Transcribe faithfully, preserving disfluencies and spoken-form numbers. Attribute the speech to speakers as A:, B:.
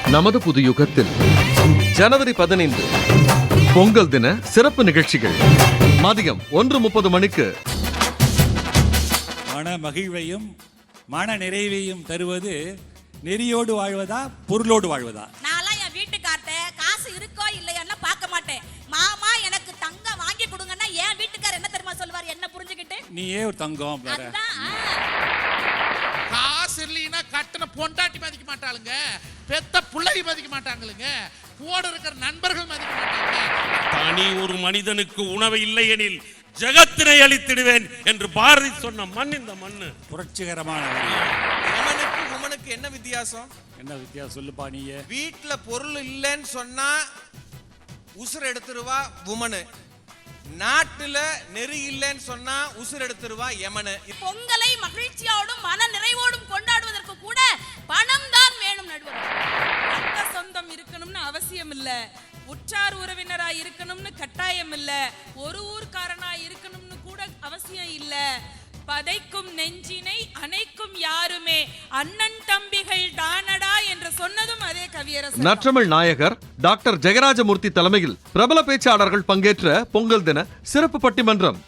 A: நமது புது யுகத்தில் ஜனவரி பதினைந்து பொங்கல் தின சிறப்பு நிகழ்ச்சிகள் மதியம் ஒன்று முப்பது மணிக்கு.
B: மன மகிழ்வையும் மன நிறைவையும் தருவது நெறியோடு வாழ்வதா பொருளோடு வாழ்வதா?
C: நான்லாம் என் வீட்டுக்கார்ட்ட காசு இருக்கோ இல்லையோன்னா பார்க்க மாட்டேன். மாமா எனக்கு தங்கம் வாங்கி கொடுங்கன்னா என் வீட்டுக்காரர் என்ன தெரியுமா சொல்வார்? என்ன புரிஞ்சுக்கிட்டு
B: நீயே ஒரு தங்கம் பாரு.
D: காசு இல்லைன்னா கட்டண பொண்டாட்டி மதிக்க மாட்டாளுங்க, பெத்த பிள்ளை மதிக்க மாட்டாங்களுங்க, கூட இருக்கிற நண்பர்கள் மதிக்க மாட்டாங்க.
E: தனி ஒரு மனிதனுக்கு உணவு இல்லை எனில் ஜகத்தினை அழித்திடுவேன் என்று பாரதி சொன்ன மண் இந்த மண்ணு.
B: புரட்சிகரமான
F: எமனுக்கு உமனுக்கு என்ன வித்தியாசம்?
B: என்ன வித்தியாசம் சொல்லுப்பா நீயே.
F: வீட்டுல பொருள் இல்லைன்னு சொன்னா உசுர் எடுத்துருவா உமனு, நாட்டுல நெறி இல்லைன்னு சொன்னா உசுர் எடுத்துருவா எமனு.
C: பொங்கலை மகிழ்ச்சியோடும் மன நிறைவோடும் கொண்டாடுவதற்கு கூட பணம் தான் வேணும். நடுவர்
G: ரத்த சொந்தம் இருக்கணும்னு அவசியம் இல்ல, உற்றார் உறவினரா இருக்கணும்னு கட்டாயம் இல்ல, ஒரு ஊர்க்காரனா இருக்கணும்னு கூட அவசியம் இல்ல. பதைக்கும் நெஞ்சினை அணைக்கும் யாருமே அண்ணன் தம்பிகள் தானடா என்று சொன்னதும் அதே கவியரசர்.
A: நற்றமிழ் நாயகர் டாக்டர் ஜெயராஜமூர்த்தி தலைமையில் பிரபல பேச்சாளர்கள் பங்கேற்ற பொங்கல் தின சிறப்பு பட்டிமன்றம்